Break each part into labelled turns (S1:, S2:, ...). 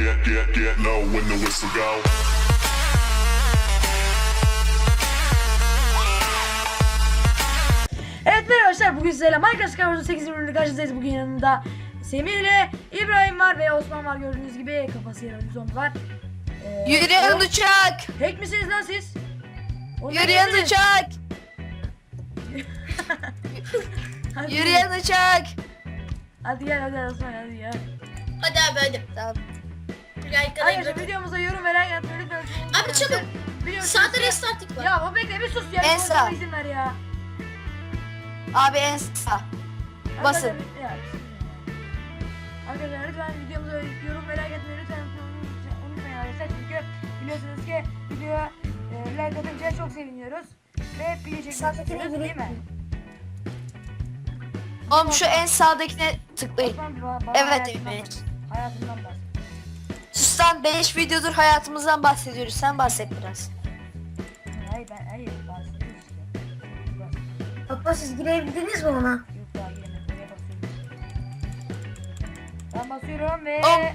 S1: get low when the whistle go.
S2: Evet merhaba arkadaşlar, bugün sizlerle Minecraft Skywars'ın 8. bölümünde karşınızdayız. Bugün yanımda Semih ile İbrahim var ve Osman var, gördüğünüz gibi kafası yaralı bir zombi var.
S3: Yürüyen uçak!
S2: Hack misiniz lan siz? Oğlum,
S3: Yürüyen
S2: hack misiniz?
S3: uçak!
S2: Hadi.
S3: Yürüyen uçak!
S2: Hadi gel Osman, hadi gel.
S4: Hadi abi hadi.
S3: Tamam.
S2: Arkadaşlar videomuza yorum veren atmayı lütfen.
S4: Abi çabuk.
S2: Biliyorsunuz
S4: Sağda
S2: ki-
S4: restartik var.
S2: Ya baba bekle bir sus ya.
S3: En
S2: Bir
S3: sağ.
S2: konuşmama izin ver ya.
S3: Abi en sağ. Basın.
S2: Arkadaşlar lütfen videomuza yorum ve like atmayı lütfen unutmayın arkadaşlar, çünkü biliyorsunuz ki videoya like atınca çok seviniyoruz ve video çekmek istiyoruz, değil mi?
S3: Oğlum şu en sağdakine tıklayın.
S2: Osman, bana
S3: Evet,
S2: hayatından
S3: evet.
S2: bahset. Hayatından bahset.
S3: Sustan 5 videodur hayatımızdan bahsediyoruz. Sen bahset biraz.
S2: Hayır bahsediyoruz işte.
S5: Papa siz girebildiniz mi ona?
S2: Yok daha giremedim, oraya basıyoruz. Ben basıyorum ve
S3: Om.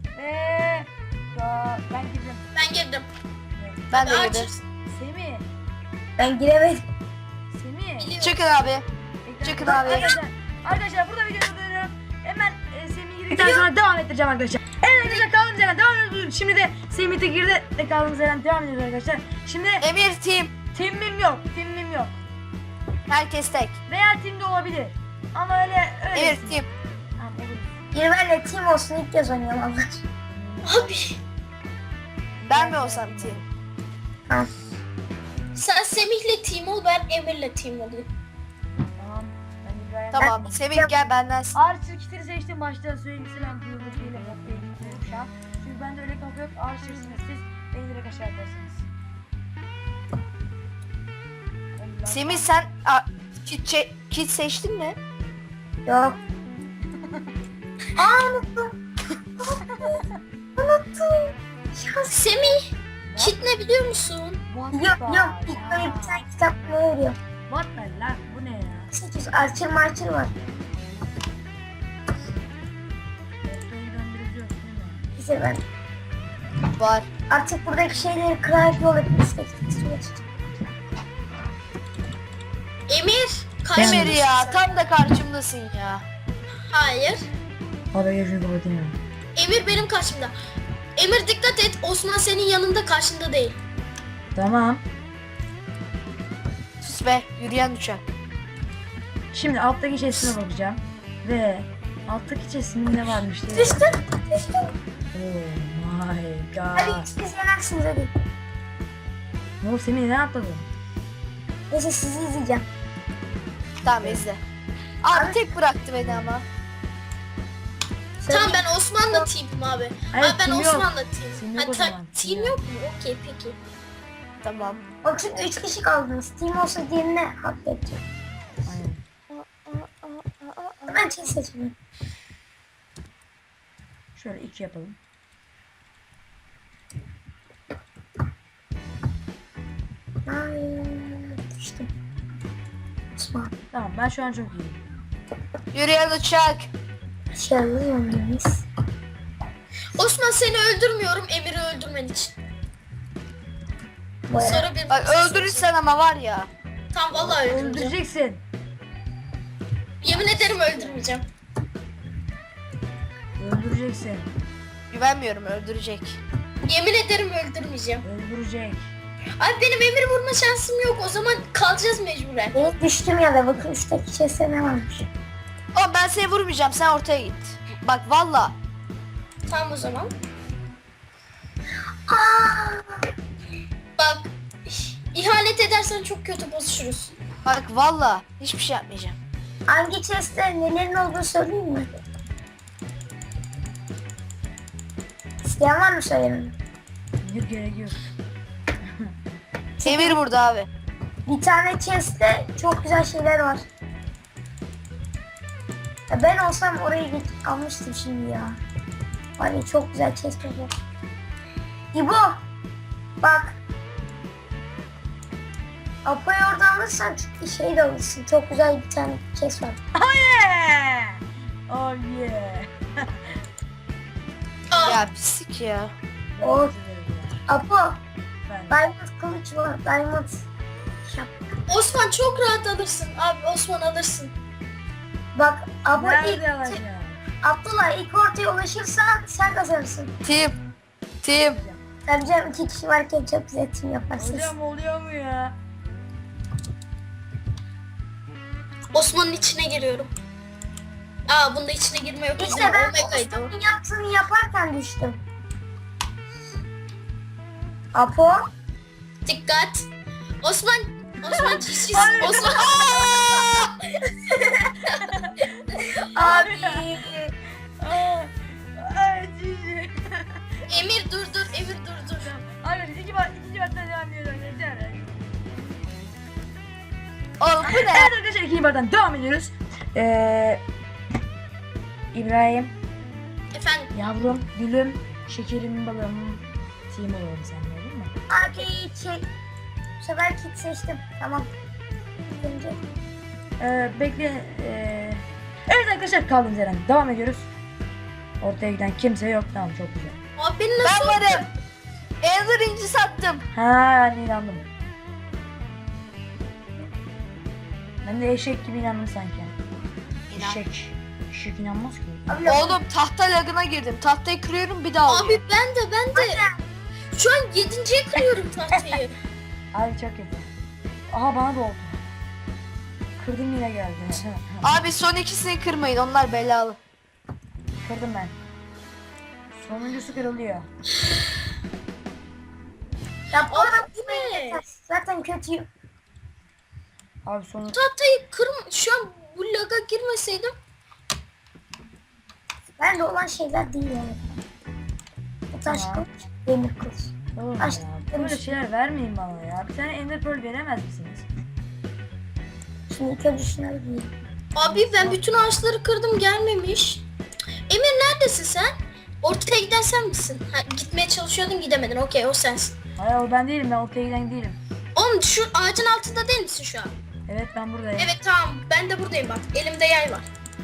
S2: ben girdim.
S4: Ben girdim.
S3: Ben de
S4: Aç.
S3: yedim.
S2: Semih.
S5: Ben giremedim.
S2: Semih.
S4: Biliyorum.
S3: Çıkın abi.
S2: Ekran-
S3: Çıkın abi.
S2: Arkadaşlar burada videoyu durduruyorum. Hemen Semih girdikten sonra devam ettireceğim arkadaşlar. Evet arkadaşlar, kaldığımız yerden devam ediyoruz. Şimdi de Semih de girdi ve kaldığımız yerden devam ediyoruz arkadaşlar. Şimdi
S3: Emir team.
S2: team'im yok.
S3: Herkes tek.
S2: Veya team de olabilir. Ama öyle.
S3: Emir team.
S2: Tamam, olur.
S5: Girmenle team olsun ilk kez oynayalım Allah.
S4: Abi
S3: Ben mi olsam team?
S5: Tamam.
S4: sen Semih'le team ol, ben Emir'le team olayım.
S2: Tamam. Ben İbrahim.
S3: Tamam. Semih gel benden.
S2: Archer kitleri seçtim. Başta söyleyeyim, selam duyurdu şeyle kapıya gidiyorum şu an. Çünkü bende öyle kapı yok. Archer'sınız siz. Beni direkt aşağı atarsınız.
S3: Semih sen kit seçtin mi?
S5: Yok. Aa unuttum. Unuttum. Şans.
S4: Semih, kit ne biliyor musun?
S5: Yok ilk böyle bir tane kitap veriyor.
S2: What the lan, bu ne ya?
S5: 800 Archer Marcher var.
S2: Ortayı döndürebiliyoruz değil mi?
S5: Bize ben
S3: Var.
S5: artık buradaki şeyleri kırarak yol etmek istiyoruz.
S4: Emir,
S3: Emir
S4: karşımdasın
S3: ya
S4: sen.
S3: tam da karşımdasın ya.
S4: Hayır.
S2: Abi yaşıyor kapatayım.
S4: Emir benim karşımda. Emir dikkat et, Osman senin yanında, karşında değil.
S2: Tamam.
S3: Sus be yürüyen uçak.
S2: Şimdi alttaki chest'ine bakacağım. Ve alttaki chest'inde ne varmış diye.
S5: Düştüm.
S2: Oh my
S5: Hadi
S2: god.
S5: siz yenersiniz hadi.
S2: Ne oldu Semih, ne atladın?
S5: Neyse sizi izleyeceğim.
S3: Tamam izle. Abi tek bıraktı beni ama.
S4: Tamam ben Osman'la team'im abi.
S2: Hayır,
S4: Abi ben
S2: team yok.
S4: Osman'la
S2: Team
S4: team'im.
S2: yok
S4: Ha,
S2: o zaman, team
S4: team yok mu? Okey peki.
S3: Tamam.
S5: Bak çünkü 3 kişi kaldınız. Team olsa diğerine hak edecek.
S2: Aynen.
S5: Ben şey seçmiyorum.
S2: Şöyle 2 yapalım.
S5: Ay düştüm. Osman.
S2: Tamam, ben şu an çok iyiyim.
S3: Yürüyen uçak.
S5: Başarılı yöndeyiz.
S4: Osman seni öldürmüyorum, Emir'i öldürmen için. Sonra bir
S3: Bak öldürürsen ama var ya.
S4: Tamam vallahi öldürmeyeceğim.
S2: Öldüreceksin.
S4: Yemin ederim öldürmeyeceğim.
S2: Öldüreceksin.
S3: Güvenmiyorum öldürecek.
S4: Yemin ederim öldürmeyeceğim.
S2: Öldürecek.
S4: Abi benim Emir'i vurma şansım yok. O zaman kalacağız mecburen.
S5: Evet düştüm ya da bakın üstteki chest'e ne varmış.
S3: Oğlum ben seni vurmayacağım sen ortaya git. Bak valla.
S4: Tamam o zaman. Bak ihanet edersen çok kötü bozuşuruz.
S3: Bak valla hiçbir şey yapmayacağım.
S5: Hangi chest'te nelerin olduğunu söyleyeyim mi? İsteyen var mı söylememi?
S2: Yok, gerek yok.
S3: Emir burada abi.
S5: Bir tane chest'te çok güzel şeyler var. Ya ben olsam oraya almıştım şimdi ya. Hani çok güzel chest var. İbo bak. Apo'yu orada alırsan şey de alırsın. Çok güzel bir tane chest var.
S2: Oh yeah. Oh yeah.
S4: Ah
S3: Ya pislik ya.
S5: O Apo.
S2: Ben.
S5: Diamond kılıç var. Diamond şap.
S4: Osman çok rahat alırsın. Abi Osman alırsın.
S5: Bak Apo
S2: Nerede alacağım?
S5: Abdullah ilk ortaya ulaşırsan sen kazanırsın.
S3: Tim.
S5: Tabii canım 2 kişi varken çok güzel tim yaparsınız.
S2: Hocam oluyor mu ya?
S4: Osman'ın içine giriyorum. Aa bunda içine girme yok.
S5: İşte ben
S4: Omega'ydı o.
S5: Osman'ın yaptığını yaparken düştüm. Apo.
S4: Dikkat. Osman çiş.
S2: Hayır.
S4: Osman.
S5: Abi.
S2: Ay cici.
S4: Emir dur. Emir dur.
S2: Abi ikinci baştan devam ediyoruz. Yeter.
S3: Oğlum bu ne?
S2: Evet arkadaşlar ikinci baştan devam ediyoruz. İbrahim,
S4: Efendim.
S2: yavrum, gülüm, şekerim, balım, team olalım seninle olur mu?
S5: Abi bu sefer kit seçtim. Tamam. Önce.
S2: Bekle. Evet arkadaşlar kaldığımız yerden devam ediyoruz. Ortaya giden kimse yok. Tamam çok güzel.
S4: Abi beni
S3: Ben
S4: nasıl
S3: varım. Ender inci sattım.
S2: Ha inandım. Ben de eşek gibi inandım sanki. Eşek. Eşek inanmaz ki.
S5: Abi,
S3: Oğlum tahta lagına girdim. Tahtayı kırıyorum bir daha oluyor.
S4: Abi ben de. Şu an 7.ye kırıyorum tahtayı.
S2: Abi çok kötü. Aha bana da oldu. Kırdım yine geldi.
S3: Abi son ikisini kırmayın. Onlar belalı.
S2: Kırdım ben. Sonuncusu kırılıyor.
S5: Ya bu arada
S4: Bu ne?
S5: zaten kötüyüm.
S2: Abi sonu...
S4: Tahtayı şu an bu laga girmeseydim.
S5: Bende olan şeyler değil yani. Bu taş
S2: Tamam.
S5: kılıç, demir kılıç.
S2: Oğlum
S5: Aç-
S2: ya, böyle şeyler vermeyin bana ya. Bir tane Ender Pearl veremez misiniz?
S5: Şimdi ilk önce şunları giyeyim.
S4: Abi ben bütün ağaçları kırdım gelmemiş. Emir neredesin sen? Ortaya giden sen misin? Ha, gitmeye çalışıyordun gidemedin. Okey o sensin.
S2: Hayır o ben değilim, ben ortaya giden değilim.
S4: Oğlum şu ağacın altında değil misin şu an?
S2: Evet ben buradayım.
S4: Evet tamam ben de buradayım bak. Elimde yay var.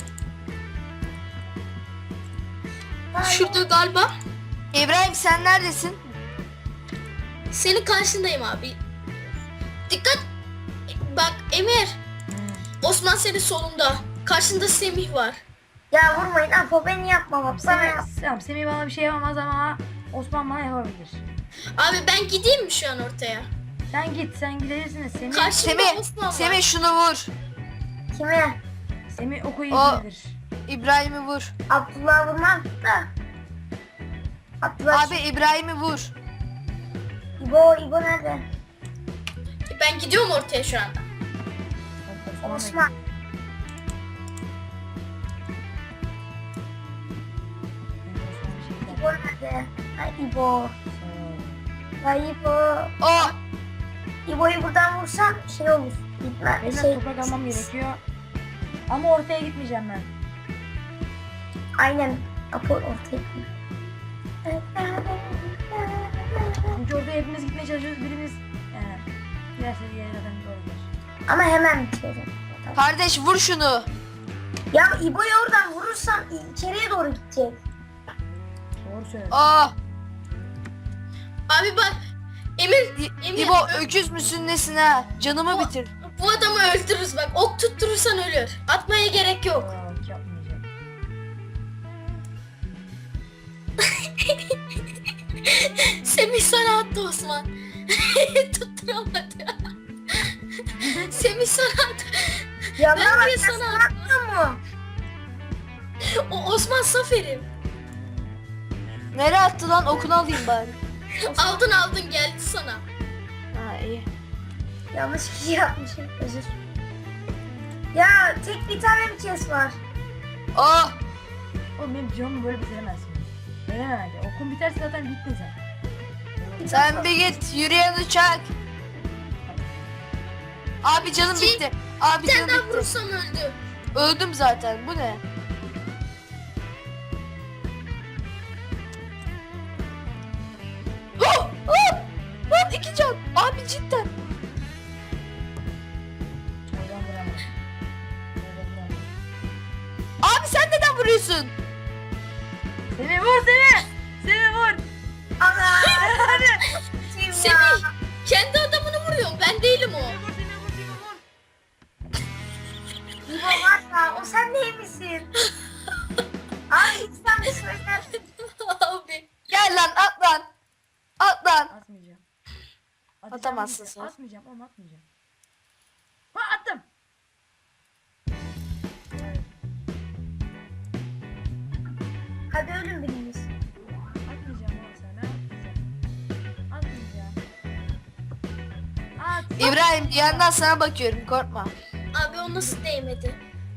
S4: Şurada galiba.
S3: İbrahim sen neredesin?
S4: Senin karşındayım abi. Dikkat. Bak Emir. Osman senin solunda. Karşında Semih var.
S5: Ya vurmayın Apo beni yapma bak bana yap.
S2: Tamam Semih bana bir şey yapamaz ama Osman bana yapabilir.
S4: Abi ben gideyim mi şu an ortaya?
S2: Sen gidebilirsin de Semih,
S4: Karşımda Osman var.
S3: Semih şunu vur.
S5: Kime?
S2: Semih oku
S3: O-
S2: iyidir.
S3: İbrahim'i vur.
S5: Abdullah vurmam da. Abdullah
S3: Abi İbrahim'i vur.
S5: İbo nerede?
S4: Ben gidiyorum ortaya şu anda.
S5: Osman. İbo nerede? Ha İbo. Ha İbo.
S3: O.
S5: İbo'yu buradan vursam şey olur. Gitme.
S2: Benim
S5: Şey,
S2: toprak almam gerekiyor. Ama ortaya gitmeyeceğim ben.
S5: aynen. Apo ortaya gitme.
S2: Çünkü orada hepimiz gitmeye çalışıyoruz. Birimiz yani diğer seviyeye zaten doğrudur.
S5: Ama hemen bitiyorum.
S3: Kardeş vur şunu.
S5: Ya İbo'yu oradan vurursam içeriye doğru gidecek.
S2: Doğru söylüyorsun.
S3: Aa.
S4: Abi bak Emir
S3: İbo öküz müsün nesin ha? Canımı bitir.
S4: bu adamı öldürürüz bak. Ok tutturursan ölür. Atmaya gerek yok.
S2: Yok yapmayacağım.
S4: Semih sana attı Osman. Tutturamadı. Semih sana attı.
S5: Ya
S4: Ben
S5: bak,
S4: niye
S5: sen
S4: sana
S5: atmıyor mu?
S4: O Osman Safer'im.
S3: Nereye attı lan? Okunu alayım bari.
S4: Aldın geldi sana.
S3: Ha iyi.
S5: Yanlış bir şey yapmışım. Özür. Ya tek bir tane mi kes var?
S3: Aa.
S2: Oğlum benim canımı böyle bitiremezsin. Veremem bence. Okun biterse zaten bittin sen.
S3: Sen bir git. Yürüyen uçak. Abi canım bitti. Abi
S4: Bir tane
S3: canım
S4: daha
S3: bitti.
S4: vurursam öldü.
S3: Öldüm zaten. Bu ne? Oh! Oh! Lan 2 can. Abi cidden.
S2: Oradan vuramam. Oradan vuramam.
S3: Abi sen neden vuruyorsun?
S2: Semih vur Semih!
S3: Atamazsın sen.
S2: Atmayacağım oğlum atmayacağım. Ha attım.
S5: Hadi ölün biriniz.
S2: Atmayacağım oğlum sana. Atmayacağım. At.
S3: İbrahim bir yandan sana bakıyorum korkma.
S4: Abi o nasıl değmedi?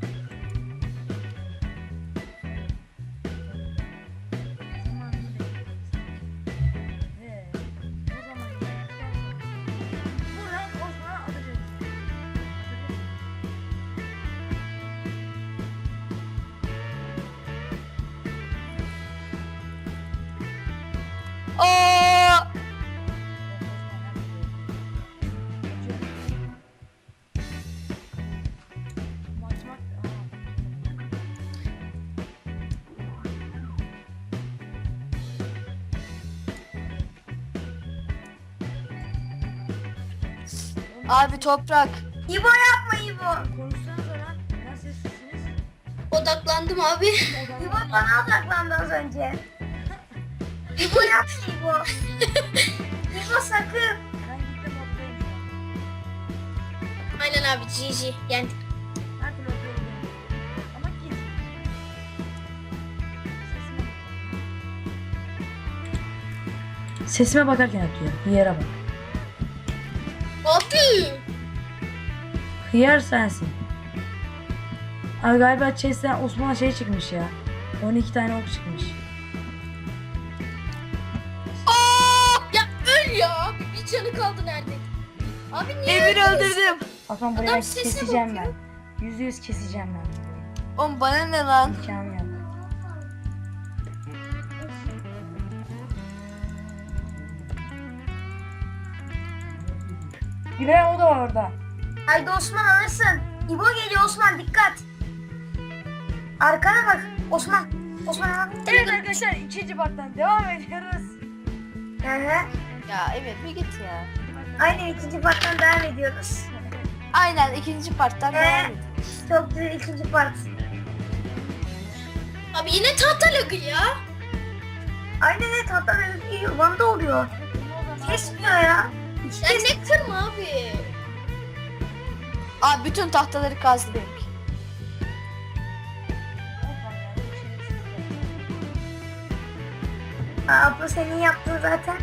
S2: Buradan Osman'a atacağız.
S3: Oo! Abi toprak.
S5: İbo yapma İbo.
S2: Konuşsanız lan. Ya sessizsiniz.
S4: Odaklandım abi.
S5: İbo bana odaklandı az önce. İbo yapma İbo. İbo sakın.
S2: Ben gittim odadayım şu an.
S4: Aynen abi GG. Yani
S2: Her türlü odadayım. Ama git. Sesime bakarken atıyor. Hıyara bak.
S4: abi.
S2: Hıyar sensin. Abi galiba chest'ten Osman'a şey çıkmış ya. 12 tane ok çıkmış.
S4: Ya öl ya abi. Bir canı kaldı neredeydi? Abi niye
S3: Emir
S4: öldünüz?
S3: öldürdüm.
S2: Osman burayı
S4: Adam sesine
S2: keseceğim
S4: bakıyor.
S2: ben. %100 keseceğim ben.
S3: Oğlum bana ne lan?
S2: İmkanı yok. İbrahim o da var orada.
S5: Haydi Osman alırsın. İbo geliyor Osman dikkat. Arkana bak Osman. Osman al.
S2: Evet arkadaşlar ikinci parttan devam ediyoruz.
S5: Hı hı.
S3: Ya Emir bir git ya.
S5: Aynen ikinci parttan devam ediyoruz.
S3: Aynen ikinci parttan devam edelim.
S5: Çok güzel ikinci part.
S4: Abi yine tahta lagı ya.
S5: Aynen evet hatta Van'da oluyor. Kesmiyor ya. Hiç
S4: Sen ne kırma abi.
S3: Abi bütün tahtaları kazdı benimki.
S5: Abla senin yaptığın zaten.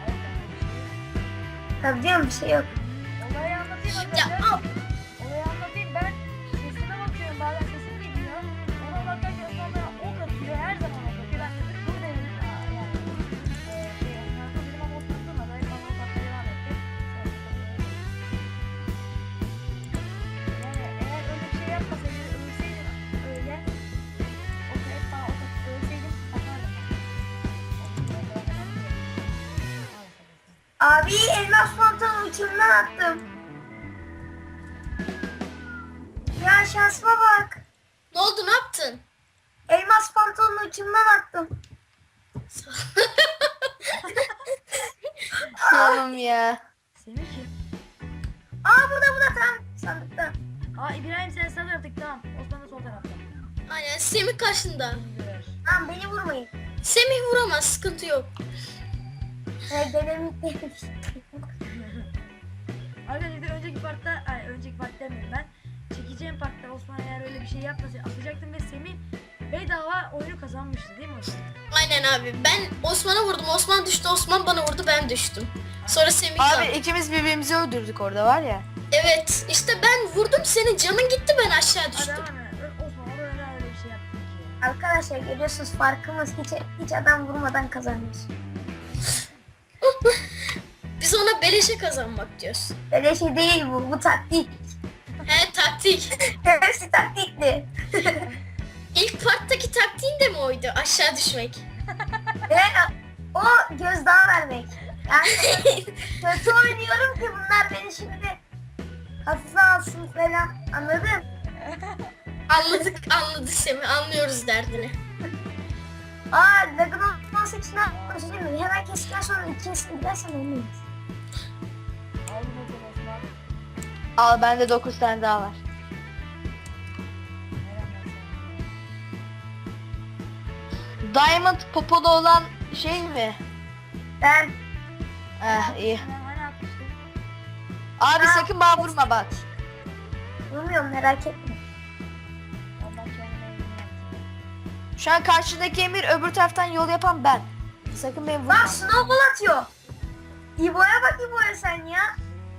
S5: Tabii canım bir şey yok.
S2: Olayı anlatayım
S4: Ya
S2: arkadaşlar.
S4: abi.
S2: Olayı anlatayım ben sesime bakıyorum bazen sesim geliyor. Ona bakarken sonra ok atıyor her zaman ok atıyor. Ben de buradayım. Yani. Kanka benim ama oturtmadı. Bana ok atmaya devam etti. Yani eğer öyle bir şey yapmasaydı ölseydim öyle. Ok hep bana ok atıp ölseydim atardım.
S5: Abi elmas pantolon uçurumdan attım. Ya şansıma bak.
S4: Ne oldu ne yaptın?
S5: Elmas pantolonu uçurumdan attım.
S3: Oğlum ya.
S2: Semih kim?
S5: Aa burada tam sandıkta.
S2: Aa İbrahim sen sağ taraftık tamam. Osman da sol tarafta.
S4: Aynen Semih karşında.
S2: Güzel.
S5: Tamam beni vurmayın.
S4: Semih vuramaz sıkıntı yok.
S5: Denemek
S2: Arkadaşlar önceki part demiyorum ben. Çekeceğim partta Osman eğer öyle bir şey yapmasaydı atacaktım ve Semih bedava oyunu kazanmıştı değil mi Osman?
S4: Aynen abi. Ben Osman'a vurdum. Osman düştü. Osman bana vurdu. Ben düştüm. Sonra Semih
S3: Abi
S4: kaldı.
S3: ikimiz birbirimizi öldürdük orada var ya.
S4: Evet. İşte ben vurdum seni. Canın gitti ben aşağı
S2: Hadi
S4: düştüm.
S2: hemen Osman orada neden öyle bir şey yaptın ki?
S5: Arkadaşlar görüyorsunuz farkımız hiç adam vurmadan kazanmış.
S4: Biz ona beleşe kazanmak diyoruz.
S5: Öyle şey değil bu taktik.
S4: He taktik.
S5: Hepsi taktikli.
S4: İlk parttaki taktiğin de mi oydu? Aşağı düşmek.
S5: Ve o gözdağı vermek. Yani kötü oynuyorum ki bunlar beni şimdi hafife alsın falan anladın?
S4: Anladık Semih. Anlıyoruz derdini.
S5: Aa lagın olması için ne yapayım? Hemen kestikten sonra ikincisini gidersen olmuyor.
S2: Aldım o zaman Osman.
S3: Al bende 9 tane daha var. Diamond popolu olan şey mi?
S5: Ben
S3: İyi.
S2: Ben hani atmıştım.
S3: Abi
S5: Ha.
S3: sakın bana vurma bak.
S5: Bilmiyorum, merak etme.
S2: Allah kendine eğitim yapsın.
S3: Şu an karşıdaki Emir, öbür taraftan yol yapan ben. Sakın beni vurma.
S5: Lan snowball atıyor. İbo'ya bak, İbo'ya sen ya.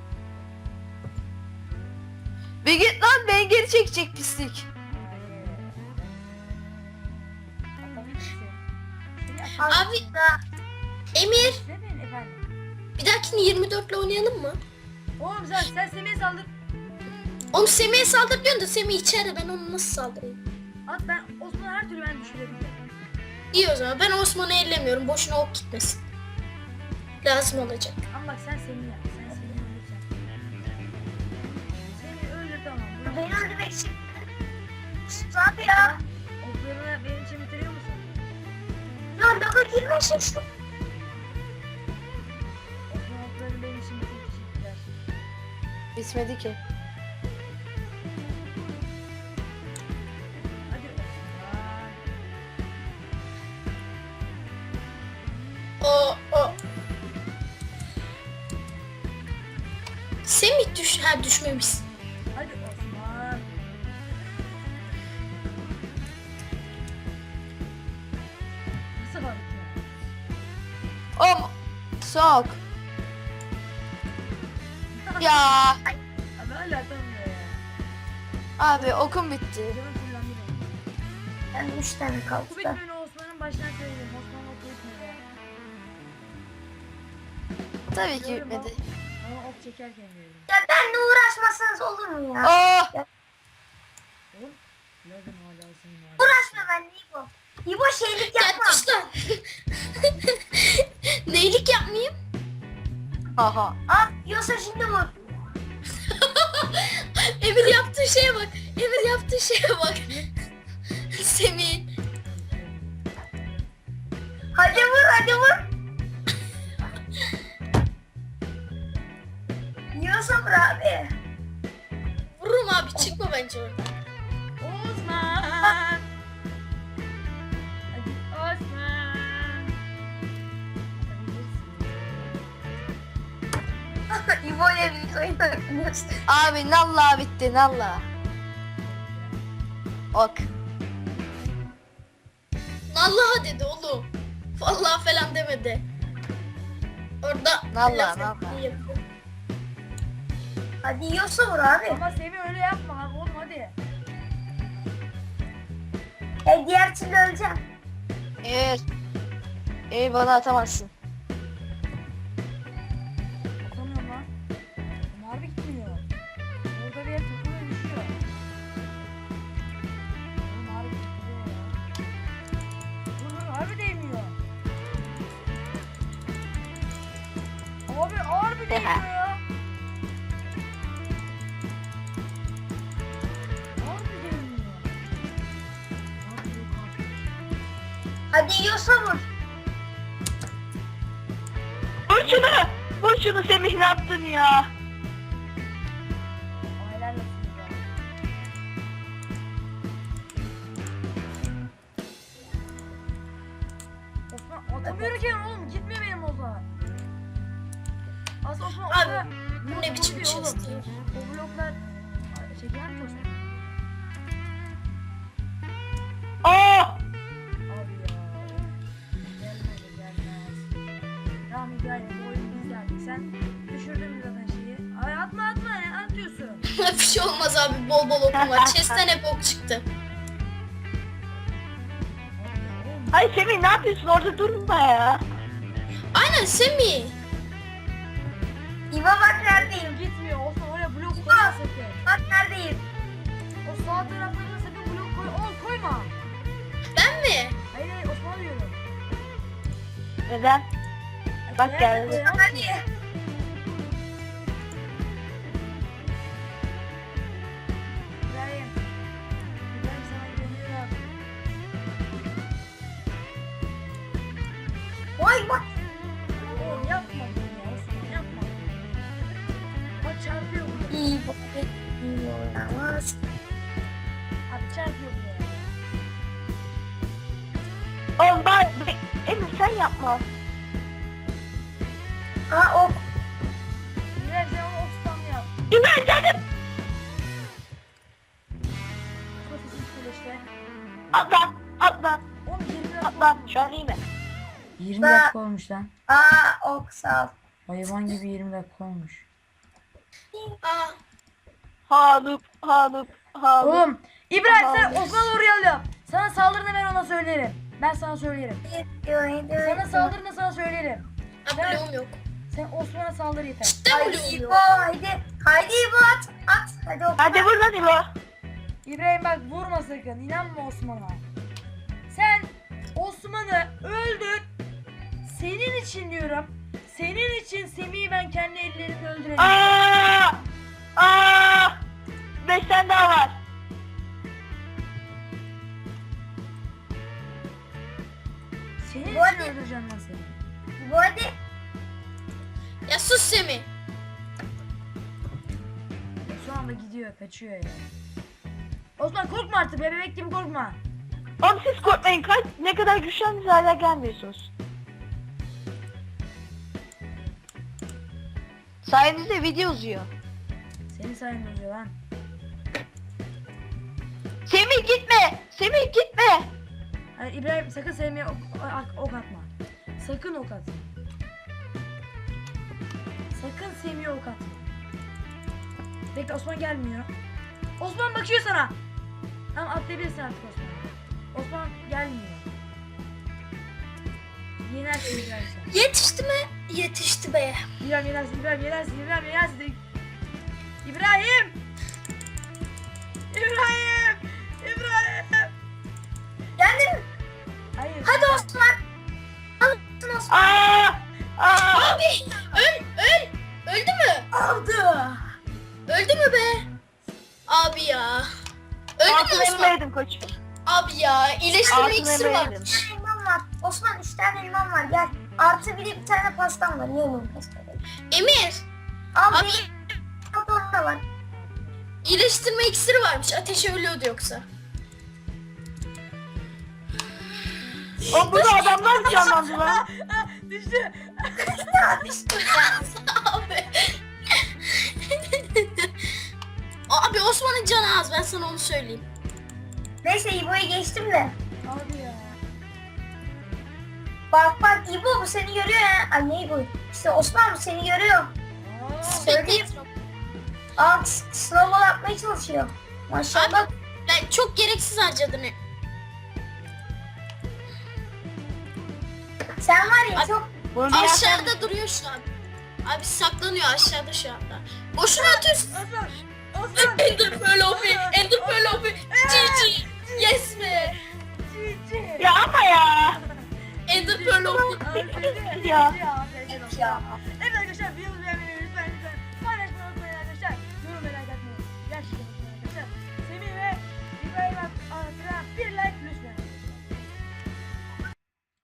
S3: Bir git lan, beni geri çekecek pislik.
S4: Abi Emir
S2: Demeyin efendim.
S4: bir dahakini 24 ile oynayalım mı?
S2: Oğlum sen Semih'e saldır.
S4: Oğlum Semih'e saldır diyorsun da Semih içeride, ben onu nasıl saldırayım?
S2: At ben Osman'ı her türlü ben düşürebilirim.
S4: İyi o zaman ben Osman'ı ellemiyorum, boşuna ok gitmesin. Lazım olacak.
S2: Ama bak sen Semih'i yap. Sen Semih'i öldüreceksin. Semih'i öldür tamam.
S5: Beni öldürmek için. Sus abi ya.
S2: Oklarını benim için bitiriyor musun?
S5: Ya laga girmesin şu.
S2: Osman oklarını benim için bitir. Teşekkürler.
S3: Bitmedi ki.
S2: Hadi Osman.
S4: O. Semih düşmemişsin.
S2: Hadi Osman. Nasıl var ya?
S3: Om. Sok. Ya.
S2: Abi hala atamıyor ya.
S3: Abi okum bitti.
S2: Canım kullandı benim.
S5: Ben 3 tane kaldı
S2: Bu
S5: da.
S2: bitmeni Osman'ın başına söyleyeyim. Osman ok çekmiyor ya.
S3: Tabii ki
S2: Görüyorum
S3: bitmedi.
S2: Ama ok çekerken gördüm.
S5: Ya benle uğraşmasanız olur mu ya?
S3: Oh.
S2: Oğlum. Lagın hala senin var.
S5: Uğraşma benle İbo. İbo şeylik
S4: Ya
S5: yapma.
S4: düş lan. Neylik yapmayayım?
S3: Aha.
S5: Al yiyorsa şimdi vur.
S4: Emir yaptığı şeye bak. Emir yaptığı şeye bak. Semih.
S5: Hadi vur, hadi vur. Yiyorsa vur abi.
S4: Vururum abi, çıkma bence oradan.
S2: Osman. Hadi Osman.
S5: İbo ile bir oyun oynuyoruz.
S3: Abi nalla bitti nalla. Ok.
S4: Vallahi dedi oğlum. Vallahi falan demedi. Orada
S3: Vallahi,
S4: laf
S3: vallahi.
S4: yapıyor.
S5: Hadi yiyorsa vur abi.
S2: Ama Semih öyle yapma abi oğlum hadi.
S5: Diğer türlü öleceğim.
S3: Emir. Emir bana atamazsın.
S2: Atamıyorum lan. Ama harbi gitmiyor. Orada bir yer takılıyor düşüyor. Oğlum harbi gitmiyor ya. Oğlum harbi değmiyor. Abi harbi değmiyor ya. Harbi değmiyor. Harbi yok abi.
S5: Hadi yiyorsa vur.
S6: Vur şunu! Vur şunu Semih, ne yaptın ya?
S2: Aileler olsun ya. Osman atamıyorum ki oğlum gitmiyor benim Osman. Aslında Osman
S4: Abi,
S2: orada
S4: bu
S2: blok
S4: ne biçim
S2: vuruyor oğlum.
S4: chest ya?
S2: O bloklar şeker mi Osman?
S6: Aa!
S2: Abi ya. Gelmez gelmez. Tamam hikaye bu oyunu biz geldik. Sen düşürdün zaten şeyi. Ay atma ne atıyorsun?
S4: Bir şey olmaz abi, bol bol okum var. Chest'ten hep ok çıktı.
S2: Oğlum
S6: Ay Semih, ne yapıyorsun? Orada durma ya.
S4: Aynen Semih.
S5: İbo bak neredeyim.
S2: gitmiyor Osman oraya blok koyma sakın.
S5: Bak neredeyim.
S2: O sağ taraflarına sakın blok koyma.
S4: Ben mi?
S2: Hayır Osman diyorum.
S6: Neden? Bak
S2: Eğer
S6: geldi.
S2: koyamazsın.
S5: Hadi.
S2: İbrahim. İbrahim sana güveniyorum.
S5: Vay bak.
S2: Oğlum yapma bunu ya Osman yapma. Bak çarpıyor bu.
S5: İbo. İyi oynamaz.
S2: Abi çarpıyor bu ya.
S6: Oğlum Emir sen yapma.
S5: Ha ok.
S2: İbrahim sen onu ok spamla
S6: İbrahim canım.
S2: Kafasız kule işte.
S6: Atla. Atla.
S2: Oğlum 20 dakika.
S6: Atla. Şu an iyi mi?
S2: 20 dakika olmuş lan.
S5: Ok sağ ol.
S2: Hayvan gibi 20 dakika olmuş.
S4: Aa,
S6: Hanım.
S2: Oğlum İbrahim sen Osman'a doğru yap. Sana saldırını ben ona söylerim. Ben sana söylerim. Sana saldırını sana söylerim.
S4: bloğum yok.
S2: Sen Osman'a saldır yeter.
S4: Cidden
S5: Haydi
S4: bloğum
S5: İbo
S4: yok.
S5: haydi. Haydi İbo at. At. Hadi ok.
S6: Hadi vur lan İbo.
S2: İbrahim bak vurma sakın. İnanma Osman'a. Sen Osman'ı öldür. Senin için diyorum. Senin için Semih'i ben kendi ellerimle öldüreceğim.
S6: Aa! 5 tane daha var.
S2: Senin
S5: Bu
S2: için
S5: arada-
S2: öldüreceğim lan seni.
S5: İbo hadi.
S4: Ya sus Semih.
S2: Şu anda gidiyor, kaçıyor ya. Osman korkma artık be, bebek gibi korkma.
S6: Oğlum siz korkmayın. Ne kadar güçlendiniz hala gelmiyorsunuz.
S3: Sayenizde video uzuyor.
S2: Senin sayende oluyor lan.
S3: Semih gitme. Semih gitme.
S2: Hayır İbrahim sakın Semih'e ok atma. Sakın ok atma. Sakın Semih'e ok atma. Bekle Osman gelmiyor. Osman bakıyor sana. Tamam atlayabilirsin artık Osman. Osman gelmiyor. Yenersin İbrahim sen.
S4: Yetişti mi? Yetişti be.
S2: İbrahim yenersin, İbrahim yenersin, İbrahim yenersin. İbrahim! İbrahim! İbrahim!
S5: Geldim.
S2: Hayır.
S5: Hadi Osman. Alın Osman.
S4: Abi öldü mü?
S5: Aldı.
S4: Öldü mü be? Abi ya. Öldü mü
S6: Altın
S4: Osman?
S6: elma yedim koç.
S4: Abi ya iyileştirme
S6: Altın
S4: iksiri
S6: elma
S4: var.
S6: yedim.
S5: 3 tane elmam var. Osman 3 tane elmam var. Gel. Artı bir tane pastam var. Niye onun pastayı?
S4: Emir.
S5: Al
S4: Abi
S5: bir da var.
S4: iyileştirme iksiri varmış. Ateşi ölüyordu yoksa.
S6: Oğlum burada adamlar canlandı lan.
S2: Düştü.
S4: Abi. Abi Osman'ın canı az, ben sana onu söyleyeyim.
S5: Neyse İbo'yu geçtim de.
S2: Abi ya.
S5: Bak İbo bu seni görüyor ya. Ay ne İbo? İşte Osman bu seni görüyor. Söyleyeyim. Snowball atmaya çalışıyor. Maşallah.
S4: Ben çok gereksiz harcadım.
S5: Sen var ya
S4: Abi-
S5: çok
S6: Bunu bir yersen-
S4: Aşağıda duruyor şu an. Abi saklanıyor aşağıda şu anda. Boşuna atıyorsun.
S2: Osman. Osman.
S4: Ender Pearl OP. Ender Pearl OP. GG. Yes be.
S2: Cici.
S6: Ya ama ya.
S4: Ender Pearl OP.
S2: Aferin.
S6: Ya.
S2: Aferin. Evet arkadaşlar videomuz